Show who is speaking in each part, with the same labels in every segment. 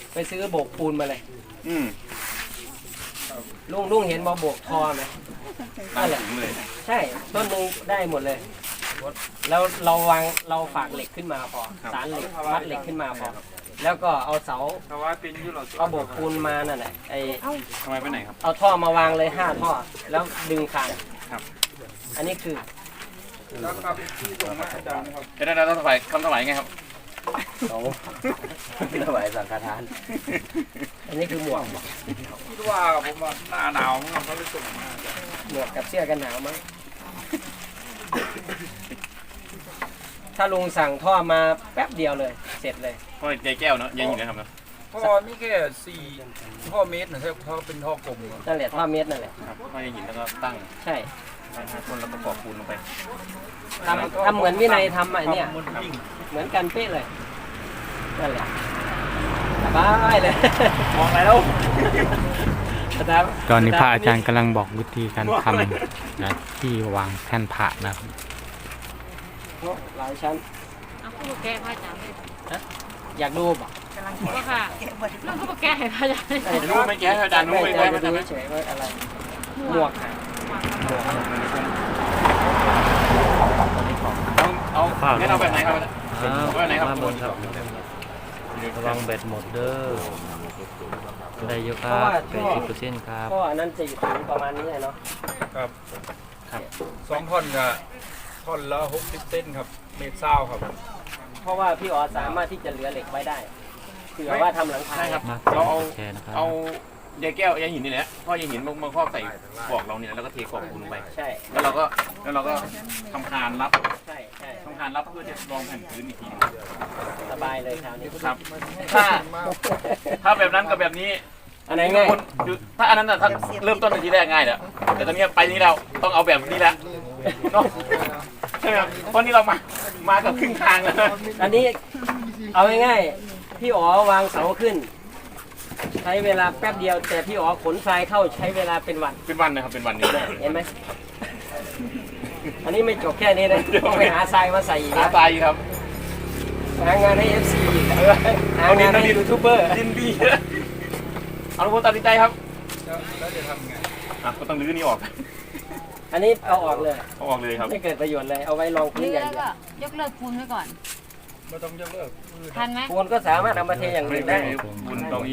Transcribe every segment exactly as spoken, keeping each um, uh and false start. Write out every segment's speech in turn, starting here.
Speaker 1: ไปซื้อโบกปูนมาเลย
Speaker 2: อืม
Speaker 1: ลุงลุงเห็นบอโบกทอไหมนั่นแหละใช่ต้นหนึ่งได้หมดเลยแล้วเราวางเราฝากเหล็กขึ้นมาพอสารเหล็กมัดเหล็กขึ้นมาพอแล้วก็เอาเสาเอาโบกปูนมานั่นแหละไอ
Speaker 2: ทำไมไปไหนครับ
Speaker 1: เอาท่อมาวางเลยห้าท่อแล้วดึงคาน
Speaker 2: ครับ
Speaker 1: อันนี้คือ
Speaker 2: แล้วครับที่ส่งมาอาจารย์ครับจะได้เราต้องถวายคำถวายไงครับ
Speaker 1: โอ้ถวายสังฆทานอันนี้คือหมวก
Speaker 2: คิดว่าผมว่าหน้าหนาวมั้งเขาเลยส่งมา
Speaker 1: หมวกกับเสื้อกันหนาวมั้งถ้าลุงสั่งท่อมาแป๊บเดียวเลยเสร็จเลย
Speaker 2: ท่อใยแก้วเนาะใยหินนะครับเนาะ
Speaker 3: ท่อมีแค่สี่ท่อเมตรนะครับท่อเป็นท่อกลม
Speaker 1: นั่นแหละท่อเมตรนั่นแหละ
Speaker 2: ครับท่อใยหินแล้วก็ตั้ง
Speaker 1: ใช่
Speaker 2: คนแล้วก็กรอกปูนลงไป
Speaker 1: ทำทำเหมือนวินัยทำอ่ะเนี่ยเหมือนกันเป๊ะเลยนั่นแหละสบายเลย
Speaker 2: มองไปแล้ว
Speaker 4: ตอนนี้พระอาจารย์กำลังบอกวิธีการทำนะที่วางแท่นพระนะครับ
Speaker 1: หลายชั้น
Speaker 5: เอาคู่แกพระอาจารย์
Speaker 1: อยากดูป่ะ
Speaker 5: กำลังคิดว่าค่ะเรื่องคู่แกให้พระอาจารย์
Speaker 2: รู้ไม่แก้พระอาจารย์รู้ไม่แก้พระอาจารย์
Speaker 1: เฉยว่าอะไรหมวก
Speaker 2: เอาเอางั้นเอาแบบไหนครับแบบไหนครับบนครับ
Speaker 4: ระวังแบตหมดเด้อได้เยอะครับแปดสิบเปอร์เซ็นต์ครับ
Speaker 1: เพราะอันนั้นจะอยู่ถึงประมาณนี้เนาะ
Speaker 3: ครับครับสองท่อนกับท่อนละหกสิบเส้นครับเมตรเศร้าครับ
Speaker 1: เพราะว่าพี่อ๋อสามารถที่จะเหลือเหล็กไว้ได้เผื่อว่าทำหลังคา
Speaker 2: ครับเราเอาเอาใยแก้วใยหินนี่แหละพ่อใยหินมาครอบใส่กรอกเราเนี่ยแล้วก็เทกรอกปูนลงไป
Speaker 1: ใช่
Speaker 2: แล้วเราก็แล้วเราก็ทำคานรับ
Speaker 1: ใช่ใช่
Speaker 2: ทำคานรับเพื่อจะรองแผ่นพื้นอีกที
Speaker 1: สบายเลยคราวนี้
Speaker 2: ครับถ้าถ้าแบบนั้นกับแบบนี้
Speaker 1: อันไหนง่าย
Speaker 2: ถ้าอันนั้นน่ะถ้าเริ่มต้นในทีแรกง่ายแหละแต่ตอนนี้ไปนี้เราต้องเอาแบบนี้แหละเนาะใช่ไหมครับเพราะนี่เรามามากับครึ่งทางแล้ว
Speaker 1: อันนี้เอาง่ายๆพี่อ๋อวางเสาขึ้นใช้เวลาแป๊บเดียวแต่พี่อ๋อขนทรายเข้าใช้เวลาเป็นวัน
Speaker 2: เป็นวันนะครับเป็นวันนี้
Speaker 1: เห็นไหมอันนี้ไม่จบแค่นี้นะต้องไปหาทรายมาใส่อีก
Speaker 2: หาทรายครับ
Speaker 1: หางานให้ เอฟ ซี หางานให้ยูทูบเบอร์
Speaker 2: ดินดีเอาลูกตัดสินใจครับ
Speaker 3: แล้วจะทำไง
Speaker 2: อ่ะก็ต้องรื้อนี่ออก
Speaker 1: อันนี้เอาออกเลย
Speaker 2: เอาออกเลยครับ
Speaker 1: ไม่เกิดประโยชน์เลยเอาไว้ลองพื้นอย่างเดีย
Speaker 5: วยกเลิกปูนไว้ก่อน
Speaker 3: ไม่ต้องยกเลิก
Speaker 5: ทันไหม
Speaker 1: ปูนก็สามารถเอามาเทอย่างอื่นได้
Speaker 2: ปูนตรงนี้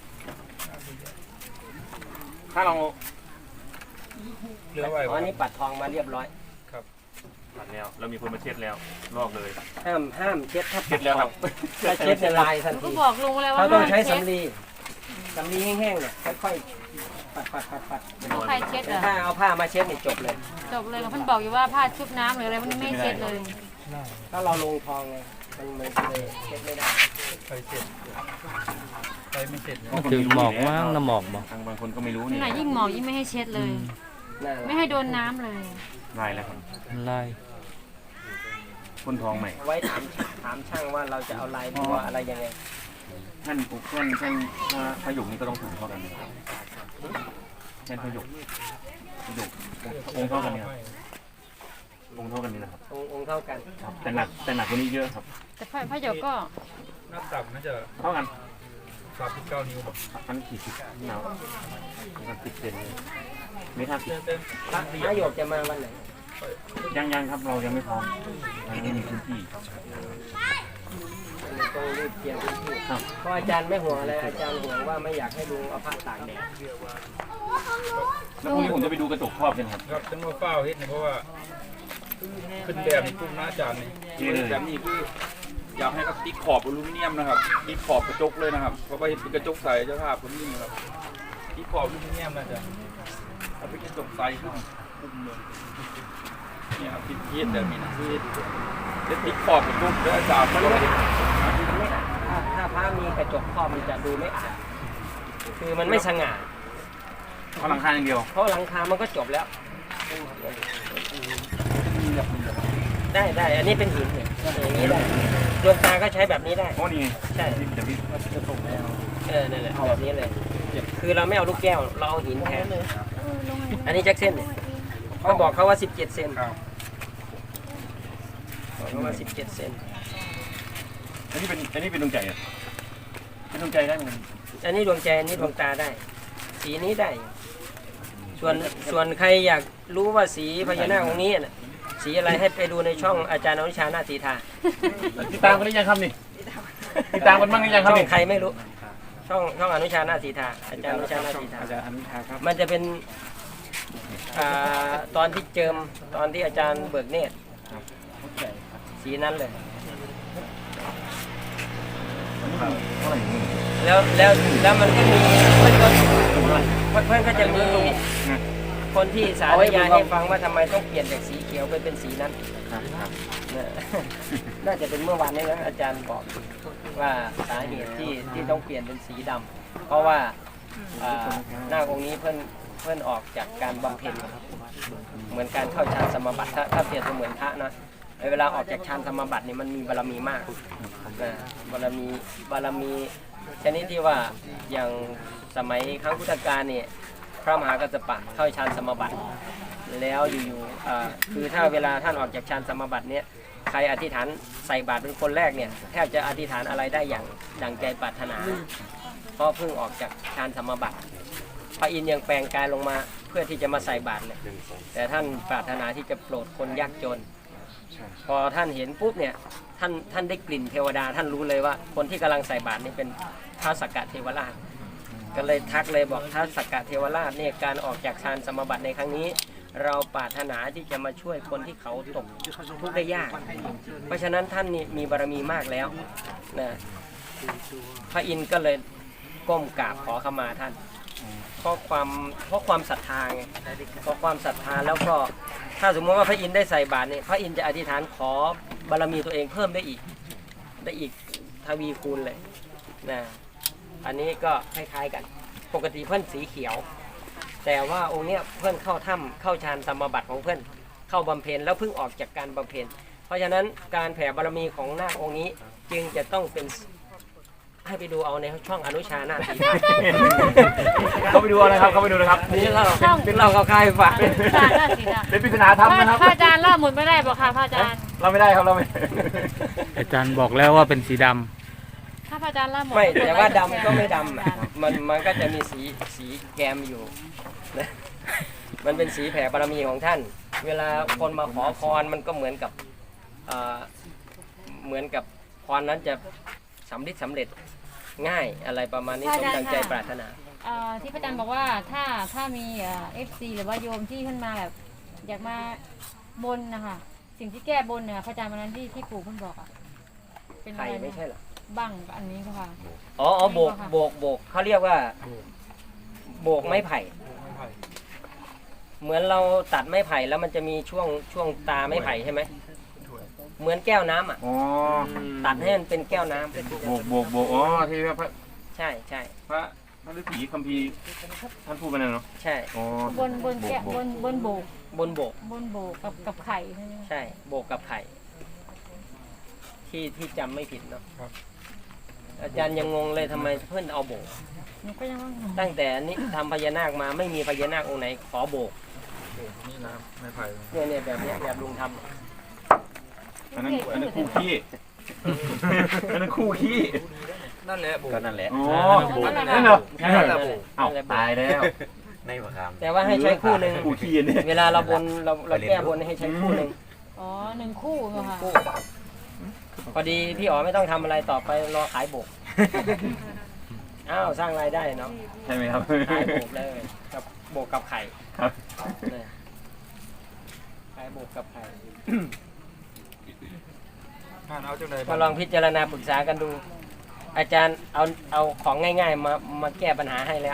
Speaker 2: ถ้าเรา
Speaker 1: เหลือไว้อันนี้ปัดทองมาเรียบร้อย
Speaker 3: ครับ
Speaker 2: ปัดแล้วเรามีคนมาเช็ดแล้วลอกเลย
Speaker 1: ห้ามห้ามเช็ดถ้า
Speaker 2: เช็ดแล้วครับ
Speaker 1: ถ้าเช็ดจะลายทันที
Speaker 5: ก็บอกลุงแล้วว่า
Speaker 1: เขาต้องใช้สำลีสำลีแห้งๆเนี่ยค่อยๆปัดปัดปัดปัด
Speaker 5: เอาใครเช็ดเหรอ
Speaker 1: ถ้าเอาผ้ามาเช็ดนี่จบเลย
Speaker 5: จบเลยมันบอกอยู่ว่าผ้าชุบน้ำหรืออะไรมันไม่เช็ดเลย
Speaker 1: ถ้าเราลงทองไงมันมันเลยเช็ดไม่ได้
Speaker 3: ใครเช็ดใครไม่เช็ด
Speaker 4: ถึงหมอกว่างน้ำหมอกบอก
Speaker 2: ทางบางคนก็ไม่รู้
Speaker 5: นี่ยิ่งหมอกยิ่งไม่ให้เช็ดเลยไม่ให้โดนน้ำเลย
Speaker 2: ลายแล้วครับ
Speaker 4: ลาย
Speaker 2: พ่นทองใหม่
Speaker 1: ไว้ถามถามช่างว่าเราจะเอาลายบัวอะไรยังไง
Speaker 2: ท่านปุ๊บท่านท่านพระหยกนี่ก็ต้องถูกเท่ากันท่านพระหยกพระหยกองค์เท่ากันเนี่ยองค์เท่ากันนี่นะครับ
Speaker 1: องค์เท่ากัน
Speaker 2: แต่หนักแต่หนักกว่านี้เยอะครับ
Speaker 5: แต่พระพระหยกก็
Speaker 3: นับต่ำน่าจะ
Speaker 2: เท่ากัน
Speaker 3: สามสิบเก้านิ้วแบบ
Speaker 2: อันกี่สิบหนาวมันติดเซนไม่ท่าสิบ
Speaker 1: พระหยกจะมาวันไหน
Speaker 2: ยังยังครับเรายังไม่พร้อมยังไม่มีพื้นที่
Speaker 1: ต้องรีบเตรียมพื้นที่เพราะอาจารย์ไม่ห่วงอะไรอาจารย์ห่วงว่าไม่อยากให้ลุงเอาผ้าตากแดด
Speaker 2: แล้วพรุ่งนี้ผมจะไปดูกระจกครอบกันครับ
Speaker 3: ครับจังว่าเฝ้าเฮ็ดเนี่ยเพราะว่าขึ้นแบบนี้ปุ๊บหน้าอาจารย์นี่แบบนี้คืออยากให้เขาติดขอบอลูมิเนียมนะครับติดขอบกระจกเลยนะครับเพราะว่าเห็นเป็นกระจกใสเจ้าภาพคนนี้นะครับติดขอบอลูมิเนียมนะจ๊ะเอาเป็นกระจกใสข้างปุ่มเลยเนี่ยครับติดเฮ็ดแบบนี้นะคือเด็ดติดขอบกระจกแล้วอาจารย์มันไม่
Speaker 1: ถ้าพระมีกระจกครอบมันจะดูไม่อาดคือมันไม่สง่า
Speaker 2: เพราะหลังคาอย่างเดียว
Speaker 1: เพราะหลังคามันก็จบแล้วได้ได้อันนี้เป็นหินเนี่ยอย่างนี้ได้ดวงตาก็ใช้แบบนี้ได้
Speaker 2: โอ้นี่
Speaker 1: ใช่
Speaker 2: แต่พี่
Speaker 1: เออนั่นแหละแบบนี้เลยคือเราไม่เอาลูกแก้วเราเอาหินแทนอันนี้แจ็คเส้นเนี่ยก็บอกเขาว่าสิบเจ็ดเซนบอกเขาว่าสิบเจ็ดเซน
Speaker 2: อันนี้เป็นอันนี้เป็นดวงใจอ่ะเป็นดวงใจได้ไหม
Speaker 1: อันนี้ดวงใจอันนี้ดวงตาได้ สีนี้ได้ ส่วนส่วนใครอยากรู้ว่าสีพญานาคองค์นี้น่ะสีอะไรให้ไปดูในช่องอาจารย์อนุชานาฏสีทา
Speaker 2: ติดตามกันหรือยังครับนี่ติดตามกันบ้างหรือยังครับ
Speaker 1: ช่อ
Speaker 2: นี่
Speaker 1: งใครไม่รู้ ช่องช่องอนุชานาฏสีทาอาจารย์อนุชานาฏสีทา
Speaker 2: อาจารย์อนุชาครับ
Speaker 1: มันจะเป็นอ่าตอนที่เจิมตอนที่อาจารย์เบิกเนตรสีนั้นเลย
Speaker 2: เท่าไหร่นี่
Speaker 1: แล้วแล้วแล้วมันก็มีเพื่อนก็เพื่อนก็จะมีคนที่สาธยายให้ฟังว่าทำไมต้องเปลี่ยนจากสีเขียวไปเป็นสีนั้น
Speaker 2: ครับครับ
Speaker 1: เนี่ย น่าจะเป็นเมื่อวานนี้นะอาจารย์บอกว่าสาเหตุที่ที่ต้องเปลี่ยนเป็นสีดำเพราะว่าอ่าหน้าองค์นี้เพื่อนเพื่อนออกจากการบำเพ็ญเหมือนการเข้าฌานสมาบัติถ้าถ้าเปรียบเสมือนพระนะเวลาออกจากฌานสมาบัตินี่มันมีบารมีมากนะบารมีบารมีชนิดที่ว่าอย่างสมัยครั้งพุทธกาลเนี่ยพระมหากัสสปะเข้าฌานสมาบัติแล้วอยู่ๆอ่าคือถ้าเวลาท่านออกจากฌานสมาบัติเนี่ยใครอธิษฐานใส่บาตรเป็นคนแรกเนี่ยแทบจะอธิษฐานอะไรได้อย่างดังใจปรารถนา เพราะเพิ่งออกจากฌานสมาบัติพระอินทร์ยังแปลงกายลงมาเพื่อที่จะมาใส่บาตรเลยแต่ท่านปรารถนาที่จะโปรดคนยากจน พอท่านเห็นปุ๊บเนี่ยท่านท่านได้กลิ่นเทวดาท่านรู้เลยว่าคนที่กำลังใส่บาตรนี่เป็นพระสักกะเทวราชก็เลยทักเลยบอกพระสักกะเทวราชเนี่ยการออกจากฌานสมาบัติในครั้งนี้ เราปรารถนาที่จะมาช่วยคนที่เขาตกทุกข์ได้ยาก เพราะฉะนั้นท่านนี่มีบารมีมากแล้วนะพระอินทร์ก็เลยก้มกราบขอขมาท่านเพราะความเพราะความศรัทธาไงเพราะความศรัทธาแล้วก็ถ้าสมมติว่าพระอินทร์ได้ใส่บาตรเนี่ยพระอินทร์จะอธิษฐานขอบารมีตัวเองเพิ่มได้อีกได้อีกทวีคูณเลยนะอันนี้ก็คล้ายๆกันปกติเพื่อนสีเขียว แต่ว่าองค์เนี้ยเพื่อนเข้าถ้ำเข้าฌานสมาบัติของเพื่อนเข้าบำเพ็ญแล้วเพิ่งออกจากการบำเพ็ญเพราะฉะนั้นการแผ่บารมีของนาคองค์นี้จึงจะต้องเป็นให้ไปดูเอาในช่องอนุชานาฏสีทา
Speaker 2: เขาไปดูอะไรครับเขาไปดูนะครับ
Speaker 1: นี่เราเป็นเราเขาคายฝาก
Speaker 5: อาจารย์น่าสีดำ
Speaker 2: เป็นปริศนาธรรมนะครับ
Speaker 5: พระอาจารย์เล่าหมดไม่ได้บอกค่ะพระอาจารย์
Speaker 2: เราไม่ได้ครับเราไม่
Speaker 4: อาจารย์บอกแล้วว่าเป็นสีดำ
Speaker 5: ถ้าพระอาจารย์เล่าหมด
Speaker 1: ไม่แต่ว่าดำก็ไม่ดำอะมันมันก็จะมีสีสีแกมอยู่นะมันเป็นสีแผ่บารมีของท่าน เวลาคนมาขอพรมันก็เหมือนกับเอ่อเหมือนกับพรนั้นจะสำเร็จสำเร็จง่ายอะไรประมาณนี้สมดังใจปรารถนา
Speaker 5: เอ่อที่พระอาจารย์บอกว่าถ้าถ้ามีเอฟซีหรือว่าโยมที่ขึ้นมาแบบอยากมาบนนะคะสิ่งที่แก้บนเนี่ยพระอาจารย์วันนั้นที่ที่ปู่เพิ่นบอกอ่ะเป็นอะ
Speaker 1: ไข่
Speaker 5: ไร
Speaker 1: ไม่
Speaker 5: นะ
Speaker 1: ใช่เหรอ
Speaker 5: บังอันนี้ค่ะ
Speaker 1: อ๋ออ๋อโบกโบกโบกเขาเรียกว่าโบกไม้ไผ่ เหมือนเราตัดไม้ไผ่แล้วมันจะมีช่วงช่วงตาไม้ไผ่ใช่ไหมเหมือนแก้วน้ำอ่ะ
Speaker 2: อ๋อ
Speaker 1: ตัดให้มันเป็นแก้วน้ำ
Speaker 2: โบกโบกโบกอ๋อที่พระ
Speaker 1: ใช่ใช่
Speaker 2: พระพระฤาษีคัมภีร์ท่านพูดไปนั่นเนาะ
Speaker 1: ใช่
Speaker 2: อ๋อบ
Speaker 5: นบนแกะบนบนโบก
Speaker 1: บนโบก
Speaker 5: บนโบกกับกับไข่ใช่ไหม
Speaker 1: ใช่โบกกับไข่ที่ที่จำไม่ผิดเนาะอาจารย์ยังงงเลยทำไมเพื่อนเอาโบก
Speaker 5: หนูก็ยังว่า
Speaker 1: ตั้งแต่นี้ทำพญานาคมาไม่มีพญานาคองค์ไหนขอโบก
Speaker 3: นี่นะไม่ไผ่
Speaker 1: เนี่ยเนี่ยแบบเนี้ยแบบลุงทำ
Speaker 2: อันนั้นอันนั้นคู่ขี้อันนั้นคู่ขี้
Speaker 3: นั่นแหละโบ
Speaker 2: ก็นั่นแหละ
Speaker 3: อ๋อ
Speaker 2: นั่นเหรอ
Speaker 1: ใช่
Speaker 2: นั่นเหร
Speaker 1: นั่
Speaker 2: อน
Speaker 1: แหละ
Speaker 2: เอ้าตายแล้ว
Speaker 6: ในประคำ
Speaker 1: แต่ว่าให้ใช้คู่หนึ่ง
Speaker 2: คู่ขี้เนี่ย
Speaker 1: เวลาเราบนเราเราแก้บนให้ใช้คู่หนึ่ง
Speaker 5: อ๋อหนึ่งคู่เหรอค่ะ
Speaker 1: คู่พอดีพี่อ๋อไม่ต้องทำอะไรต่อไปรอขายโบกอ้าวสร้างรายได้เนาะ
Speaker 2: ใช่ไหมครับ
Speaker 1: ขายโบกเลยกับโบกกับไข่
Speaker 2: ครับ
Speaker 1: เนี่ยขายโบกกับไข่
Speaker 3: ผ่านเอาจังได
Speaker 1: มาลองพิจารณาปรึกษากันดู อาจารย์เอาเอาของง่ายๆมามาแก้ปัญหาให้แล้ว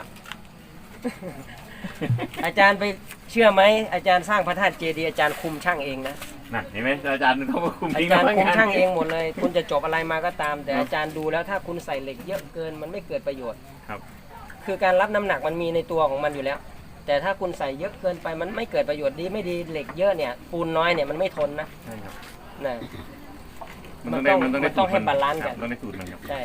Speaker 1: อาจารย์ไปเชื่อไหมอาจารย์สร้างพระธาตุเจดีย์อาจารย์คุมช่างเองนะ
Speaker 2: นั่นเห็นไหมอาจารย์เขามาคุม
Speaker 1: อา
Speaker 2: ทิ้ง
Speaker 1: จารย์
Speaker 2: แล้ว
Speaker 1: คุมช่างเองหมดเลย คุณจะจบอะไรมาก็ตาม แต่อาจารย์ดูแล้วถ้าคุณใส่เหล็กเยอะเกินมันไม่เกิดประโยชน์
Speaker 2: ครับ
Speaker 1: คือการรับน้ำหนักมันมีในตัวของมันอยู่แล้ว แต่ถ้าคุณใส่เยอะเกินไปมันไม่เกิดประโยชน์ดีไม่ดีเหล็กเยอะเนี่ยปูนน้อยเนี่ยมันไม่ทนนะ
Speaker 2: ใช่ครับ
Speaker 1: นะ
Speaker 2: มันต้องได้มันต้องได้
Speaker 1: มันต้องให้บาลานซ์กัน
Speaker 2: ครับต้องได้สูตรมันครับ
Speaker 1: ใช่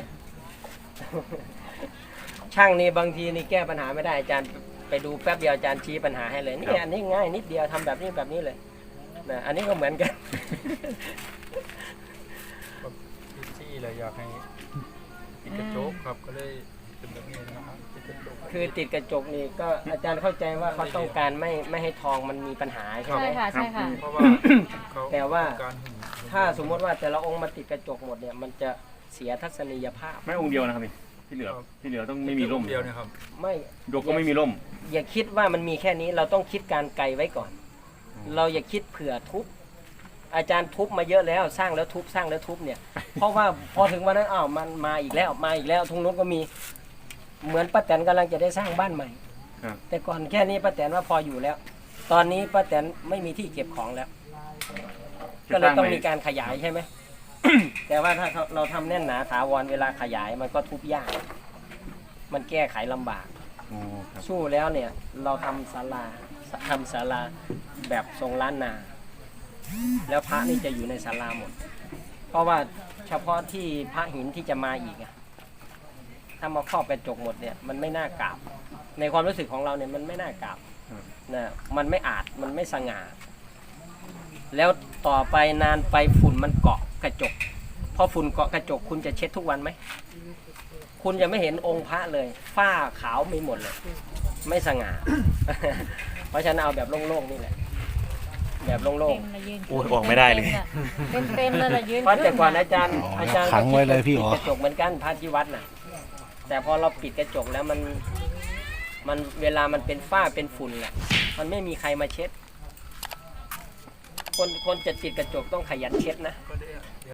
Speaker 1: ช่างนี่บางทีนี่แก้ปัญหาไม่ได้อาจารย์ไปดูแป๊บเดียวอาจารย์ชี้ปัญหาให้เลยนี่อันนี้ง่ายนิดเดียวทำแบบนี้แบบนี้เลยนะอันนี้ก็เหมือนกัน
Speaker 3: ที่เลยอยากให้ติดกระจกครับก็เลยเป็นแบบนี้นะครับติดกระจก
Speaker 1: คือติดกระจกนี่ก็อาจารย์เข้าใจว่าเขาต้องการไม่ไม่ให้ทองมันมีปัญหาใช่ไหม
Speaker 5: ใช่ค่ะใช่ค่ะ
Speaker 3: เพราะว่าเขา
Speaker 1: แต่ว่า
Speaker 3: การหึง
Speaker 1: ถ้าสมมติว่าแต่ละองค์มาติดกระจกหมดเนี่ยมันจะเสียทัศนียภาพ
Speaker 2: ไม่องค์เดียวนะครับพี่ที่เหลือที่เหลือต้องไม่มีร่ม
Speaker 3: เดียวเนะครับ
Speaker 1: ไม่
Speaker 2: ยกก็ไม่มีร่ม
Speaker 1: อย่าคิดว่ามันมีแค่นี้เราต้องคิดการไกลไว้ก่อน เราอย่าคิดเผื่อทุบอาจารย์ทุบมาเยอะแล้วสร้างแล้วทุบสร้างแล้วทุบเนี่ย เพราะว่าพอถึงวันนั้นอ้าวมันมาอีกแล้วมาอีกแล้วทุงนู้นก็มีเหมือนป้าแตนกำลังจะได้สร้างบ้านใหม่
Speaker 2: ครับ
Speaker 1: แต่ก่อนแค่นี้ป้าแตนว่าพออยู่แล้ว ตอนนี้ป้าแตนไม่มีที่เก็บของแล้ว ก็เลยต้องมีการขยายใช่ไหม แต่ว่าถ้าเราทำแน่นหนาถาวรเวลาขยายมันก็ทุบยาก มันแก้ไขลำบาก
Speaker 2: โอ้ครับ
Speaker 1: สู้แล้วเนี่ยเราทำศาลาทำศาลาแบบทรงล้านนา แล้วพระนี่จะอยู่ในศาลาหมด เพราะว่าเฉพาะที่พระหินที่จะมาอีกอะถ้ามาครอบกระจกหมดเนี่ยมันไม่น่ากราบ ในความรู้สึกของเราเนี่ยมันไม่น่ากราบนะมันไม่อาจมันไม่สง่า แล้วต่อไปนานไปฝุ่นมันเกาะกระจกพอฝุ่นเกาะกระจกคุณจะเช็ดทุกวันไหมคุณจะไม่เห็นองค์พระเลยฝ้าขาวมีหมดเลย ไม่สง่า เพราะฉะนั้นเอาแบบโล่งๆนี่แหละ แบบโล่ง
Speaker 5: เต็มเลยยืน
Speaker 4: โอ้ยออกไม่ได้เลย
Speaker 5: เต็มเต็มๆเลยละยืน
Speaker 1: ๆเพราะแต่ก่อน
Speaker 5: ขึ้
Speaker 1: อาจารย์
Speaker 6: อ๋อ
Speaker 1: อาจารย์
Speaker 6: ขังไว้เลยพี่อ๋อ
Speaker 1: ปิดกระจกเหมือนกันพระที่วัดน่ะ แต่พอเราปิดกระจกแล้วมันมันเวลามันเป็นฝ้าเป็นฝุ่นแหละมันไม่มีใครมาเช็ด คนคนจะติดกระจกต้องขยันเช็ดนะ
Speaker 3: ก็ได้